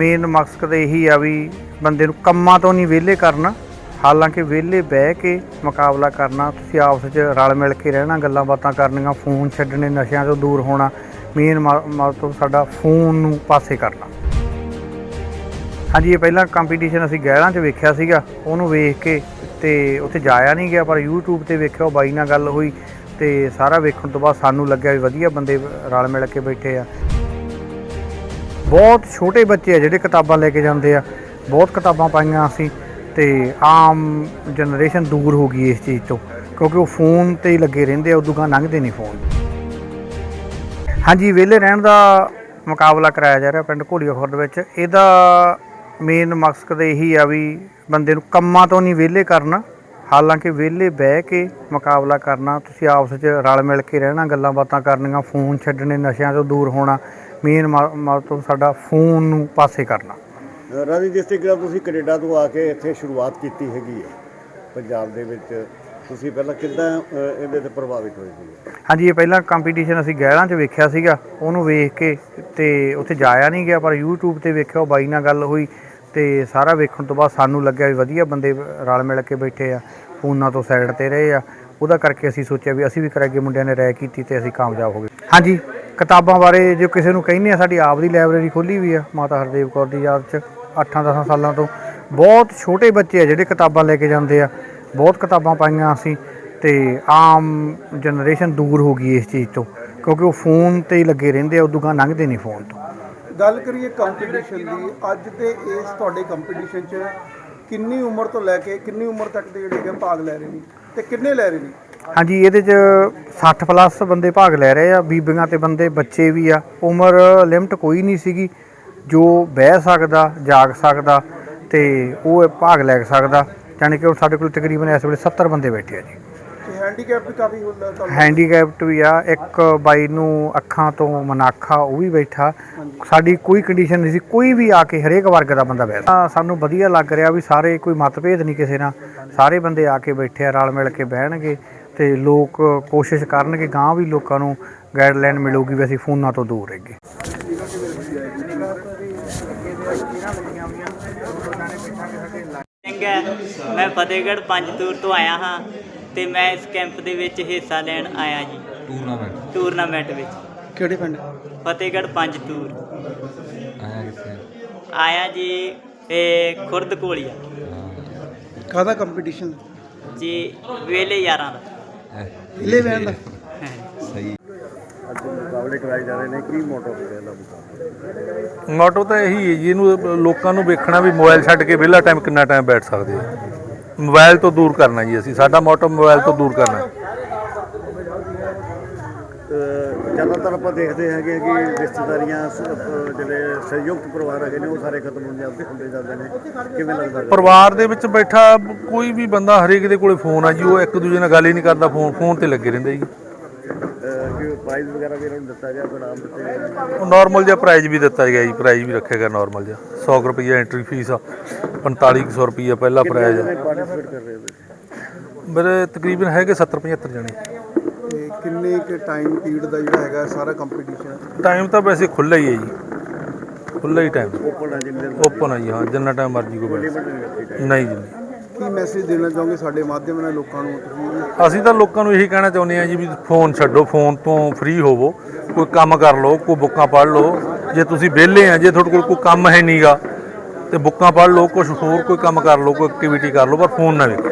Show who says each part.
Speaker 1: Main ਮਕਸਦ ਇਹੀ ਆ ਵੀ ਬੰਦੇ ਨੂੰ ਕੰਮਾਂ ਤੋਂ ਨਹੀਂ ਵਿਹਲੇ ਕਰਨਾ। ਹਾਲਾਂਕਿ ਵਿਹਲੇ ਬਹਿ ਕੇ ਮੁਕਾਬਲਾ ਕਰਨਾ, ਤੁਸੀਂ ਆਪਸ 'ਚ ਰਲ ਮਿਲ ਕੇ ਰਹਿਣਾ, ਗੱਲਾਂ ਬਾਤਾਂ ਕਰਨੀਆਂ, ਫੋਨ ਛੱਡਣੇ, ਨਸ਼ਿਆਂ ਤੋਂ ਦੂਰ ਹੋਣਾ। ਮੇਨ ਮਤਲਬ ਸਾਡਾ ਫੋਨ ਨੂੰ ਪਾਸੇ ਕਰਨਾ। ਹਾਂਜੀ, ਇਹ ਪਹਿਲਾਂ ਕੰਪੀਟੀਸ਼ਨ ਅਸੀਂ ਗਹਿਲਾਂ 'ਚ ਵੇਖਿਆ ਸੀਗਾ, ਉਹਨੂੰ ਵੇਖ ਕੇ ਅਤੇ ਉੱਥੇ ਜਾਇਆ ਨਹੀਂ ਗਿਆ, ਪਰ YouTube 'ਤੇ ਵੇਖਿਆ, ਉਹ ਬਾਈ ਨਾਲ ਗੱਲ ਹੋਈ ਅਤੇ ਸਾਰਾ ਵੇਖਣ ਤੋਂ ਬਾਅਦ ਸਾਨੂੰ ਲੱਗਿਆ ਵੀ ਵਧੀਆ ਬੰਦੇ ਰਲ ਮਿਲ ਕੇ ਬੈਠੇ ਆ। ਬਹੁਤ ਛੋਟੇ ਬੱਚੇ ਆ ਜਿਹੜੇ ਕਿਤਾਬਾਂ ਲੈ ਕੇ ਜਾਂਦੇ ਆ, ਬਹੁਤ ਕਿਤਾਬਾਂ ਪਾਈਆਂ ਅਸੀਂ, ਅਤੇ ਆਮ ਜਨਰੇਸ਼ਨ ਦੂਰ ਹੋ ਗਈ ਇਸ ਚੀਜ਼ ਤੋਂ, ਕਿਉਂਕਿ ਉਹ ਫੋਨ 'ਤੇ ਹੀ ਲੱਗੇ ਰਹਿੰਦੇ ਆ, ਉਦੋਂ ਗਾਂ ਲੰਘਦੇ ਨਹੀਂ ਫੋਨ। ਹਾਂਜੀ, ਵਿਹਲੇ ਰਹਿਣ ਦਾ ਮੁਕਾਬਲਾ ਕਰਾਇਆ ਜਾ ਰਿਹਾ ਪਿੰਡ ਘੋਲੀਆ ਖੁਰਦ ਵਿੱਚ। ਇਹਦਾ ਮੇਨ ਮਕਸਦ ਇਹੀ ਆ ਵੀ ਬੰਦੇ ਨੂੰ ਕੰਮਾਂ ਤੋਂ ਨਹੀਂ ਵਿਹਲੇ ਕਰਨਾ। ਹਾਲਾਂਕਿ ਵਿਹਲੇ ਬਹਿ ਕੇ ਮੁਕਾਬਲਾ ਕਰਨਾ, ਤੁਸੀਂ ਆਪਸ 'ਚ ਰਲ ਮਿਲ ਕੇ ਰਹਿਣਾ, ਗੱਲਾਂ ਬਾਤਾਂ ਕਰਨੀਆਂ, ਫੋਨ ਛੱਡਣੇ, ਨਸ਼ਿਆਂ ਤੋਂ ਦੂਰ ਹੋਣਾ। ਮੇਨ ਮਤਲਬ ਸਾਡਾ ਫੋਨ ਨੂੰ ਪਾਸੇ ਕਰਨਾ।
Speaker 2: ਰਾਜੀ, ਜਿਸ ਤਰੀਕੇ ਤੁਸੀਂ ਕੈਨੇਡਾ ਤੋਂ ਆ ਕੇ ਇੱਥੇ ਸ਼ੁਰੂਆਤ ਕੀਤੀ ਹੈਗੀ ਹੈ ਪੰਜਾਬ ਦੇ ਵਿੱਚ, ਤੁਸੀਂ ਪਹਿਲਾਂ ਕਿੱਦਾਂ ਇਹਦੇ 'ਤੇ ਪ੍ਰਭਾਵਿਤ ਹੋਏ ਸੀ?
Speaker 1: ਹਾਂਜੀ, ਇਹ ਪਹਿਲਾਂ ਕੰਪੀਟੀਸ਼ਨ ਅਸੀਂ ਗਹਿਲਾਂ 'ਚ ਵੇਖਿਆ ਸੀਗਾ, ਉਹਨੂੰ ਵੇਖ ਕੇ ਅਤੇ ਉੱਥੇ ਜਾਇਆ ਨਹੀਂ ਗਿਆ, ਪਰ YouTube 'ਤੇ ਵੇਖਿਆ, ਉਹ ਬਾਈ ਨਾਲ ਗੱਲ ਹੋਈ ਅਤੇ ਸਾਰਾ ਵੇਖਣ ਤੋਂ ਬਾਅਦ ਸਾਨੂੰ ਲੱਗਿਆ ਵੀ ਵਧੀਆ ਬੰਦੇ ਰਲ ਮਿਲ ਕੇ ਬੈਠੇ ਆ, ਫੋਨਾਂ ਤੋਂ ਸਾਈਡ 'ਤੇ ਰਹੇ ਆ। ਉਹਦਾ ਕਰਕੇ ਅਸੀਂ ਸੋਚਿਆ ਵੀ ਅਸੀਂ ਵੀ ਕਰਾਂਗੇ, ਮੁੰਡਿਆਂ ਨੇ ਰਾਏ ਕੀਤੀ ਅਤੇ ਅਸੀਂ ਕਾਮਯਾਬ ਹੋ ਗਏ। ਹਾਂਜੀ, ਕਿਤਾਬਾਂ ਬਾਰੇ ਜੇ ਕਿਸੇ ਨੂੰ ਕਹਿੰਦੇ ਆ, ਸਾਡੀ ਆਪ ਦੀ ਲਾਇਬ੍ਰੇਰੀ ਖੋਲ੍ਹੀ ਵੀ ਆ ਮਾਤਾ ਹਰਦੇਵ ਕੌਰ ਦੀ ਯਾਦ 'ਚ। 8-10 ਸਾਲਾਂ ਤੋਂ ਬਹੁਤ ਛੋਟੇ ਬੱਚੇ ਆ ਜਿਹੜੇ ਕਿਤਾਬਾਂ ਲੈ ਕੇ ਜਾਂਦੇ ਆ, ਬਹੁਤ ਕਿਤਾਬਾਂ ਪਾਈਆਂ ਅਸੀਂ, ਅਤੇ ਆਮ ਜਨਰੇਸ਼ਨ ਦੂਰ ਹੋ ਗਈ ਇਸ ਚੀਜ਼ ਤੋਂ, ਕਿਉਂਕਿ ਉਹ ਫੋਨ 'ਤੇ ਹੀ ਲੱਗੇ ਰਹਿੰਦੇ ਆ, ਉਦੋਂ ਗਾਂ ਲੰਘਦੇ ਨਹੀਂ ਫੋਨ ਤੋਂ।
Speaker 3: ਗੱਲ ਕਰੀਏ ਕੰਪੀਟੀਸ਼ਨ ਦੀ, ਅੱਜ ਦੇ ਇਸ ਤੁਹਾਡੇ ਕੰਪੀਟੀਸ਼ਨ 'ਚ ਕਿੰਨੀ ਉਮਰ ਤੋਂ ਲੈ ਕੇ ਕਿੰਨੀ ਉਮਰ ਤੱਕ ਦੇ ਜਿਹੜੇ ਕਿ ਭਾਗ ਲੈ ਰਹੇ ਨੇ ਅਤੇ ਕਿੰਨੇ ਲੈ ਰਹੇ ਨੇ?
Speaker 1: ਹਾਂਜੀ, ਇਹਦੇ 'ਚ 60+ ਬੰਦੇ ਭਾਗ ਲੈ ਰਹੇ ਆ, ਬੀਬੀਆਂ ਅਤੇ ਬੰਦੇ, ਬੱਚੇ ਵੀ ਆ। ਉਮਰ ਲਿਮਟ ਕੋਈ ਨਹੀਂ ਸੀਗੀ, ਜੋ ਬਹਿ ਸਕਦਾ, ਜਾਗ ਸਕਦਾ ਅਤੇ ਉਹ ਭਾਗ ਲੈ ਸਕਦਾ। ਜਾਣੀ ਕਿ ਹੁਣ ਸਾਡੇ ਕੋਲ ਤਕਰੀਬਨ ਇਸ ਵੇਲੇ 70 ਬੰਦੇ ਬੈਠੇ ਆ ਜੀ।
Speaker 3: ਹੈਂਡੀਕੈਪ ਵੀ ਕਾਫੀ ਹੁੰਦਾ?
Speaker 1: ਹੈਂਡੀਕੈਪਟ ਵੀ ਆ, ਇੱਕ ਬਾਈ ਨੂੰ ਅੱਖਾਂ ਤੋਂ ਮਨਾਖਾ, ਉਹ ਵੀ ਬੈਠਾ। ਸਾਡੀ ਕੋਈ ਕੰਡੀਸ਼ਨ ਨਹੀਂ ਸੀ, ਕੋਈ ਵੀ ਆ ਕੇ ਹਰੇਕ ਵਰਗ ਦਾ ਬੰਦਾ ਬੈਠਾ। ਸਾਨੂੰ ਵਧੀਆ ਲੱਗ ਰਿਹਾ ਵੀ ਸਾਰੇ, ਕੋਈ ਮਤਭੇਦ ਨਹੀਂ ਕਿਸੇ ਨਾਲ, ਸਾਰੇ ਬੰਦੇ ਆ ਕੇ ਬੈਠੇ ਆ, ਰਲ ਮਿਲ ਕੇ ਬਹਿਣਗੇ ਅਤੇ ਲੋਕ ਕੋਸ਼ਿਸ਼ ਕਰਨਗੇ, ਗਾਂਹ ਵੀ ਲੋਕਾਂ ਨੂੰ ਗਾਈਡਲਾਈਨ ਮਿਲੂਗੀ ਵੀ ਅਸੀਂ ਫੋਨਾਂ ਤੋਂ ਦੂਰ ਰਹੀਏ।
Speaker 4: ਮੈਂ ਫਤਿਹਗੜ੍ਹ ਪੰਜਤੂਰ ਤੋਂ ਆਇਆ ਹਾਂ ਅਤੇ ਮੈਂ ਇਸ ਕੈਂਪ ਦੇ ਵਿੱਚ ਹਿੱਸਾ ਲੈਣ ਆਇਆ ਜੀ। ਟੂਰਨਾਮੈਂਟ ਵਿੱਚ।
Speaker 3: ਕਿਹੜੇ ਪਿੰਡ?
Speaker 4: ਫਤਿਹਗੜ੍ਹ ਪੰਜਤੂਰ ਆਇਆ ਜੀ, ਇਹ ਖੁਰਦ ਘੋਲੀਆ
Speaker 3: ਕਾਹਦਾ ਕੰਪੀਟੀਸ਼ਨ
Speaker 4: ਜੀ? ਵੇਲੇ ਯਾਰਾਂ ਦਾ।
Speaker 3: ਵਿਹਲੇ ਬਹਿਣ ਦਾ?
Speaker 2: ਸਹੀ। ਅੱਜ ਮੁਕਾਬਲੇ ਕਰਾਏ ਜਾ ਰਹੇ ਨੇ, ਕੀ ਮੋਟੋ ਹੈ ਇਹਦਾ ਮੁਕਾਬਲਾ?
Speaker 5: ਮੋਟੋ ਤਾਂ ਇਹੀ ਹੈ ਜੀ, ਇਹਨੂੰ ਲੋਕਾਂ ਨੂੰ ਵੇਖਣਾ ਵੀ ਮੋਬਾਈਲ ਛੱਡ ਕੇ ਵਿਹਲਾ ਟਾਈਮ ਕਿੰਨਾ ਟਾਈਮ ਬੈਠ ਸਕਦੇ ਆ। ਮੋਬਾਈਲ ਤੋਂ ਦੂਰ ਕਰਨਾ ਜੀ ਅਸੀਂ, ਸਾਡਾ ਮੋਟੋ ਮੋਬਾਈਲ ਤੋਂ ਦੂਰ ਕਰਨਾ।
Speaker 2: ਜ਼ਿਆਦਾਤਰ ਆਪਾਂ ਦੇਖਦੇ ਹੈਗੇ ਕਿ ਰਿਸ਼ਤੇਦਾਰੀਆਂ, ਜਿਹੜੇ ਸੰਯੁਕਤ ਪਰਿਵਾਰ ਹੈਗੇ ਨੇ, ਉਹ ਸਾਰੇ ਖਤਮ ਹੁੰਦੇ ਜਾਂਦੇ ਨੇ। ਕਿਵੇਂ ਲੱਗਦਾ?
Speaker 5: ਪਰਿਵਾਰ ਦੇ ਵਿੱਚ ਬੈਠਾ ਕੋਈ ਵੀ ਬੰਦਾ, ਹਰੇਕ ਦੇ ਕੋਲੇ ਫੋਨ ਆ ਜੀ, ਉਹ ਇੱਕ ਦੂਜੇ ਨਾਲ ਗੱਲ ਹੀ ਨਹੀਂ ਕਰਦਾ, ਫੋਨ ਤੇ ਲੱਗੇ ਰਹਿੰਦੇ ਜੀ।
Speaker 2: ਪ੍ਰਾਈਜ਼ ਵਗੈਰਾ ਵੀ ਇਹਨਾਂ ਨੂੰ ਦਿੱਤਾ ਗਿਆ, ਇਨਾਮ ਦਿੱਤੇ?
Speaker 5: ਉਹ ਨੋਰਮਲ ਜਿਹਾ ਪ੍ਰਾਈਜ਼ ਵੀ ਦਿੱਤਾ ਗਿਆ ਜੀ, ਪ੍ਰਾਈਜ਼ ਵੀ ਰੱਖਿਆ ਗਿਆ ਨੋਰਮਲ ਜਿਹਾ। 100 ਰੁਪਈਆ ਐਂਟਰੀ ਫੀਸ ਆ, 4500 ਰੁਪਈਆ ਪਹਿਲਾ ਪ੍ਰਾਈਜ਼ ਆ।
Speaker 2: ਪਾਰਟੀਸਪੇਟ ਕਰ ਰਹੇ ਹੋ?
Speaker 5: ਮੇਰੇ ਤਕਰੀਬਨ ਹੈਗੇ 70-75 ਜਣੇ।
Speaker 3: ਅਤੇ ਕਿੰਨੇ ਕੁ ਟਾਈਮ ਪੀਰੀਅਡ ਦਾ ਜਿਹੜਾ ਹੈਗਾ ਸਾਰਾ ਕੰਪੀਟੀਸ਼ਨ?
Speaker 5: ਟਾਈਮ ਤਾਂ ਵੈਸੇ ਖੁੱਲ੍ਹਾ ਹੀ ਹੈ ਜੀ, ਖੁੱਲ੍ਹਾ ਹੀ ਟਾਈਮ।
Speaker 2: ਓਪਨ ਹੈ ਜਿੰਨੇ?
Speaker 5: ਓਪਨ ਹੈ ਜੀ, ਹਾਂ, ਜਿੰਨਾ ਟਾਈਮ ਮਰਜ਼ੀ ਕੋਈ ਬੈਠ। ਨਹੀਂ ਜੀ।
Speaker 3: ਕੀ ਮੈਸੇਜ ਦੇਣਾ ਚਾਹੋਗੇ ਸਾਡੇ ਮਾਧਿਅਮ ਨਾਲ ਲੋਕਾਂ ਨੂੰ ਤੁਸੀਂ?
Speaker 5: ਅਸੀਂ ਤਾਂ ਲੋਕਾਂ ਨੂੰ ਇਹੀ ਕਹਿਣਾ ਚਾਹੁੰਦੇ ਹਾਂ ਜੀ ਵੀ ਫੋਨ ਛੱਡੋ, ਫੋਨ ਤੋਂ ਫ੍ਰੀ ਹੋਵੋ, ਕੋਈ ਕੰਮ ਕਰ ਲਓ, ਕੋਈ ਬੁੱਕਾਂ ਪੜ੍ਹ ਲਓ। ਜੇ ਤੁਸੀਂ ਵਿਹਲੇ ਆ, ਜੇ ਤੁਹਾਡੇ ਕੋਲ ਕੋਈ ਕੰਮ ਹੈ ਨਹੀਂ ਗਾ, ਅਤੇ ਬੁੱਕਾਂ ਪੜ੍ਹ ਲਓ, ਕੁਛ ਹੋਰ ਕੋਈ ਕੰਮ ਕਰ ਲਓ, ਕੋਈ ਐਕਟੀਵਿਟੀ ਕਰ ਲਓ, ਪਰ ਫੋਨ ਨਾ ਵੇਖੋ।